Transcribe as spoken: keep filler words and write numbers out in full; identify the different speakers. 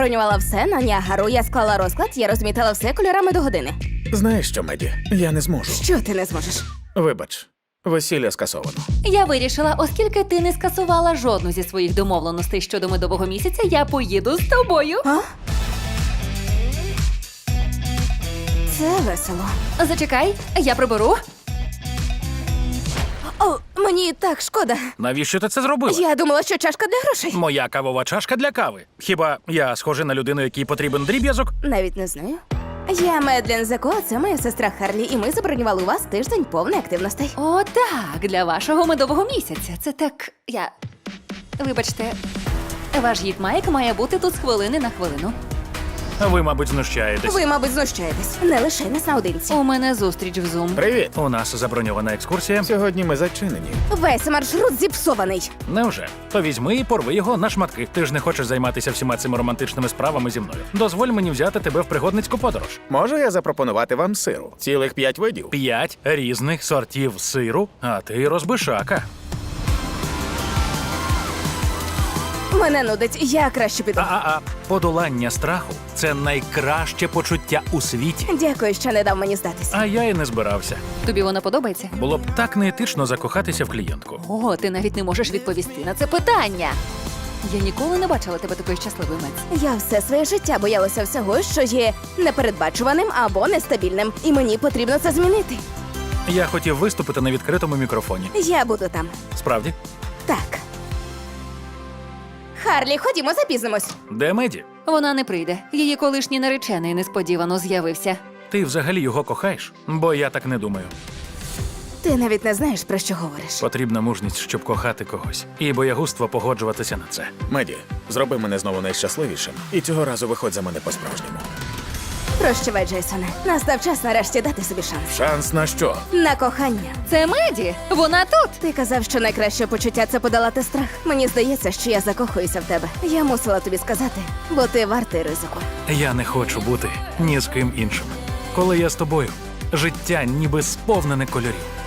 Speaker 1: Бронювала все на Ніагару, я склала розклад, я розмітила все кольорами до години.
Speaker 2: Знаєш що, Меді? Я не зможу.
Speaker 1: Що ти не зможеш?
Speaker 2: Вибач, весілля скасовано.
Speaker 3: Я вирішила, оскільки ти не скасувала жодну зі своїх домовленостей щодо медового місяця, я поїду з тобою.
Speaker 1: А? Це весело.
Speaker 3: Зачекай, я приберу.
Speaker 1: О, мені так шкода.
Speaker 4: Навіщо ти це зробила?
Speaker 1: Я думала, що чашка для грошей.
Speaker 4: Моя кавова чашка для кави. Хіба я схожий на людину, якій потрібен дріб'язок?
Speaker 1: Навіть не знаю. Я Медлен Зако, це моя сестра Харлі, і ми забронювали у вас тиждень повний активностей.
Speaker 3: О, так, для вашого медового місяця. Це так. Я. Вибачте, ваш гід Майк має бути тут з хвилини на хвилину.
Speaker 4: Ви, мабуть, знущаєтесь.
Speaker 1: Ви, мабуть, знущаєтесь. Не лише нас наодинці.
Speaker 3: У мене зустріч в Zoom.
Speaker 2: Привіт!
Speaker 4: У нас заброньована екскурсія.
Speaker 2: Сьогодні ми зачинені.
Speaker 1: Весь маршрут зіпсований.
Speaker 4: Невже? То візьми і порви його на шматки. Ти ж не хочеш займатися всіма цими романтичними справами зі мною. Дозволь мені взяти тебе в пригодницьку подорож.
Speaker 2: Можу я запропонувати вам сиру? Цілих п'ять видів.
Speaker 4: П'ять різних сортів сиру, а ти розбишака.
Speaker 1: Мене нудить, я краще піду.
Speaker 4: А-а-а. Подолання страху – це найкраще почуття у світі.
Speaker 1: Дякую, що не дав мені здатись.
Speaker 4: А я і не збирався.
Speaker 3: Тобі вона подобається?
Speaker 4: Було б так неетично закохатися в клієнтку.
Speaker 3: О, ти навіть не можеш відповісти на це питання. Я ніколи не бачила тебе такою щасливою, Мець.
Speaker 1: Я все своє життя боялася всього, що є непередбачуваним або нестабільним. І мені потрібно це змінити.
Speaker 4: Я хотів виступити на відкритому мікрофоні.
Speaker 1: Я буду там.
Speaker 4: Справді?
Speaker 1: Так. Харлі, ходімо, запізнимось.
Speaker 4: Де Меді?
Speaker 3: Вона не прийде. Її колишній наречений несподівано з'явився.
Speaker 4: Ти взагалі його кохаєш? Бо я так не думаю.
Speaker 1: Ти навіть не знаєш, про що говориш.
Speaker 4: Потрібна мужність, щоб кохати когось. І боягузтво погоджуватися на це.
Speaker 2: Меді, зроби мене знову найщасливішим. І цього разу виходь за мене по-справжньому.
Speaker 1: Прощавай, Джейсоне. Настав час нарешті дати собі шанс.
Speaker 2: Шанс на що?
Speaker 1: На кохання.
Speaker 3: Це Меді! Вона тут!
Speaker 1: Ти казав, що найкраще почуття це подолати страх. Мені здається, що я закохуюся в тебе. Я мусила тобі сказати, бо ти вартий ризику.
Speaker 4: Я не хочу бути ні з ким іншим. Коли я з тобою, життя ніби сповнене кольорів.